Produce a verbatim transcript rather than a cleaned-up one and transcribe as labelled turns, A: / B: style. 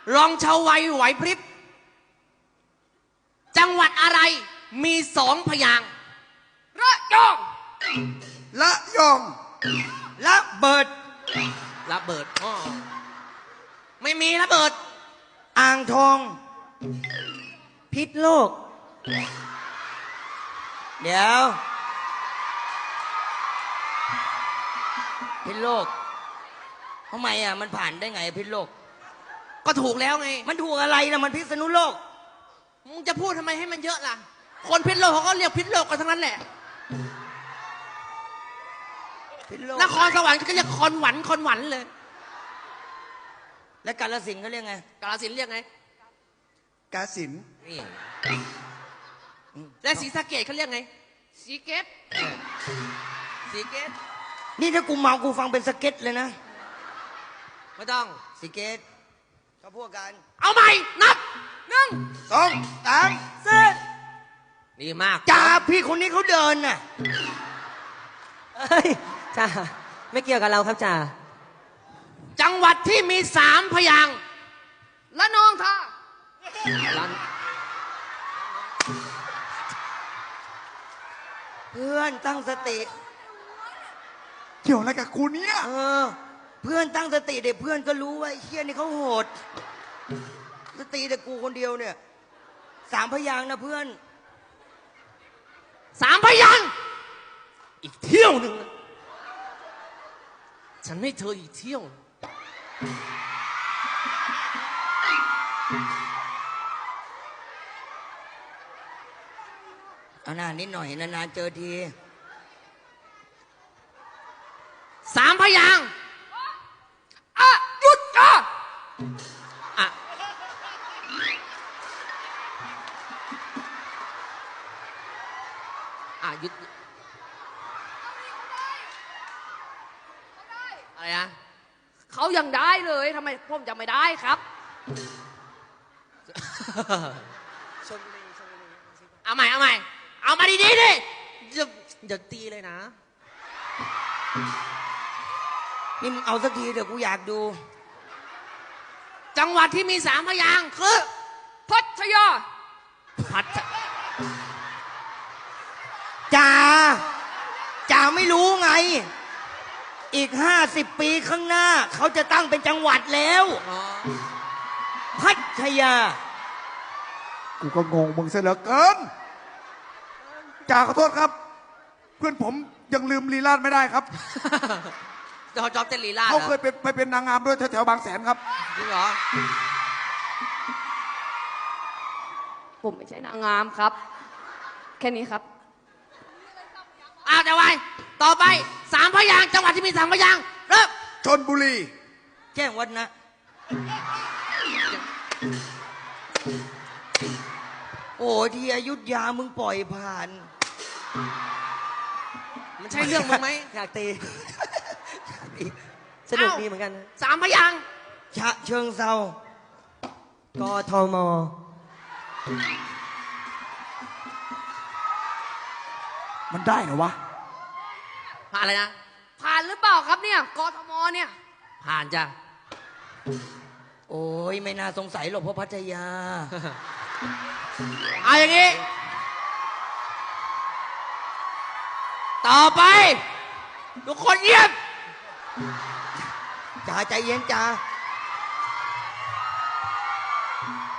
A: รองชาวไวไหวพริบจังหวัดอะไรมีสองพยางค์ระยอง
B: ละยองละเบิด
A: ระเบิดอ๋อไม่มีระเบิด
B: อ่างทองพิษโลกเดี๋ยวพิษโลกทำไมอ่ะมันผ่านได้ไงพิษโลก
A: ก็ถูกแล้วไง
B: มันถูกอะไรนะมันพิษณุโลก
A: มึงจะพูดทำไมให้มันเยอะล่ะคนพิษโลกเขาก็เรียกพิษโลกกันทั้งนั้นแหละนครสวรรค์ก็เรียกคอนหวันคอนหวันเลย
B: และกาฬสินธุ์เขาเรียกไง
A: กาฬสินธุ์เรียกไง
B: กาฬสินธุ์
A: นี่และศรีสะเกษเขาเรียกไงศรีเกษศรีเกษ
B: นี่ถ้ากูเมากูฟังเป็นสเก็ตเลยนะ
A: ไม่ต้อง
B: ศรีเกษเขาพวกกัน
A: เอาใหม่นับหนึ่ง
B: สองสามสี่
A: ดีมาก
B: จ่าพี่คนนี้เขาเดินน่ะ
C: เฮ้ยจ่าไม่เกี่ยวกับเราครับจ่า
A: จังหวัดที่มีสามพยางค์ละนองท่า
B: เพื่อนตั้งสติ
D: เกี่ยวอะไรกับกูเนี่ย
B: เออเพื่อนตั้งสติเด็กเพื่อนก็รู้ว่าไอ้เชี่ยนี่เขาโหดสติแต่กูคนเดียวเนี่ยสามพยางค์นะเพื่อน
A: สามพยางค์อีกเที่ยวหนึ่งฉันให้เธออีกเที่ยว
B: เอาหน้านิดหน่อยนานๆเจอที
A: สามพยางค์อ่ะหยุดอ่ะอ่ะอ่ะหยุดอะไรนะเขายังได้เลยทำไมผมจะไม่ได้ครับเอาใหม่เอาใหม่เอามาดีๆดิอย่าอย่าตีเลยนะ
B: นี่มึงเอาสักทีเดี๋ยวกูอยากดู
A: จังหวัดที่มีสามพยางค์คือพัทยาพัท
B: จ่าจ่าไม่รู้ไงอีกห้าสิบปีข้างหน้าเขาจะตั้งเป็นจังหวัดแล้วพัทยา
D: กูก็งงมึงเสียเหลือเกินจ่าขอโทษครับเพื่อนผมยังลืมลีลาดไม่ได้ครับ
A: จอจอบเต้นลีลา
D: เขาเคยเป็นไปเป็นนางงามด้วยแถวๆบางแสนครับ
A: จริงเหรอ
E: ผมไม่ใช่นางงามครับแค่นี้ครับ
A: อ้าวจะไว้ต่อไปสามพยางค์จังหวัดที่มีสามพยางค์เริ่ม
D: ชลบุรี
B: แจ้งวัฒนะโอ้ที่อยุธยามึงปล่อยผ่าน
A: มันใช่เรื่องมึงไหม
C: อยากตีสนุกดีเหมือนกัน
A: สามพยางค์
B: ฉะเชิงเทราก
C: ทม
D: มันได้เหรอวะ
A: ผ่านอะไรนะ
E: ผ่านหรือเปล่าครับเนี่ยกทมเนี่ย
A: ผ่านจ้ะ
B: โอ้ยไม่น่าสงสัยหรอกเพราะพัทยา
A: เอาอย่างนี้ต่อไปทุกคนเงียบ
B: จ่าใจเย็นจ่า